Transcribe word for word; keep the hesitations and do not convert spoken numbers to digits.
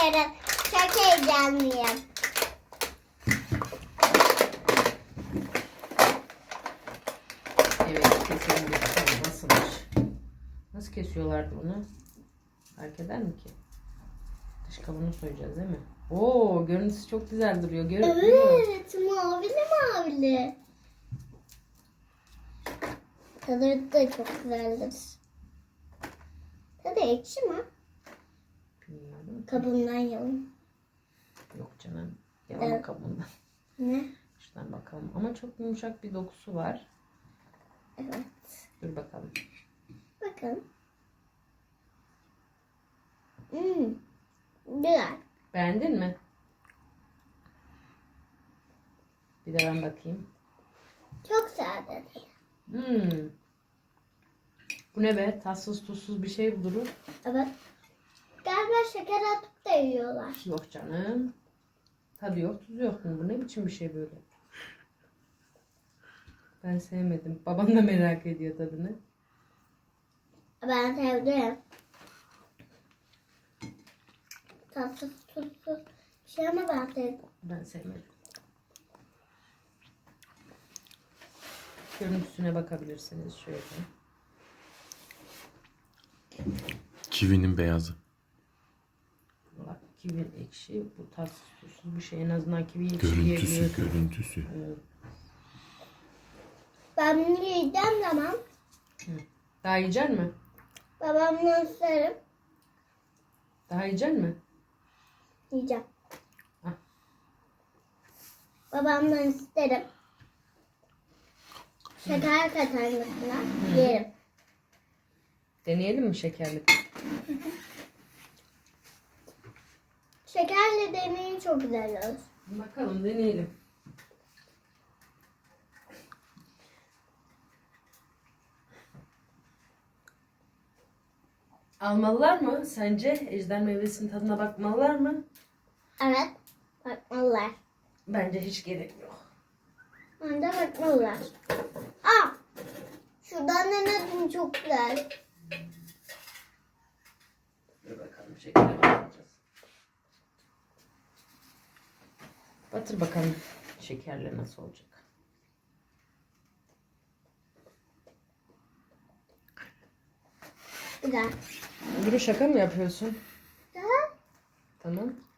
ederim. Çok heyecanlıyım. Evet, keselim bir bakalım nasılmış. Nasıl kesiyorlardı bunu? Fark eder mi ki? Dış kabuğunu soyacağız değil mi? Oo, görüntüsü çok güzel duruyor. Gör Evet, mavili mavili. Tadı da çok güzeldir. Tadı ekşi mi? Bilmiyorum. Kabuğundan yalım. Yok canım. Yalama Evet. kabuğundan. Ne? Şuradan bakalım. Ama çok yumuşak bir dokusu var. Evet. Dur bakalım. Bakın. Hmm. Güzel. Beğendin mi? Bir de ben bakayım. Çok sade. Hmm. Bu ne be? Tatsız tuzsuz bir şey bu Duru. Evet. Galiba şeker atıp da yiyorlar. Yok canım. Tadı yok, tuzu yok mu? Bu ne biçim bir şey böyle? Ben sevmedim. Babam da merak ediyor tadını. Ben sevdim. Tatsız tuzsuz bir şey ama ben sevdim. Ben sevmedim. Görüntüsüne bakabilirsiniz şöyle. Kivinin beyazı. Bak kivi ekşi, bu tatsız tuzsuz bir şey. En azından kivi ekşi Görüntüsü, diyebiliyorsun. görüntüsü. Evet. Ben bunu yiyeceğim zaman Daha yiyecek mi? babamdan isterim. Daha yiyecek mi? Yiyeceğim. Ah. Babamdan isterim. Şeker katarmasına yerim. Deneyelim mi şekerli? Şekerle deneyin çok güzel olur. Bakalım deneyelim. Almalılar mı sence? Ejder meyvesinin tadına bakmalılar mı? Evet. Bakmalılar. Bence hiç gerek yok. Bence bakmalılar. Aa! Şuradan denedim çok güzel. Dur bakalım şekere bakacağız. Batır bakalım şekerle nasıl olacak. Güzel. Duru şaka mı yapıyorsun? Daha Tamam.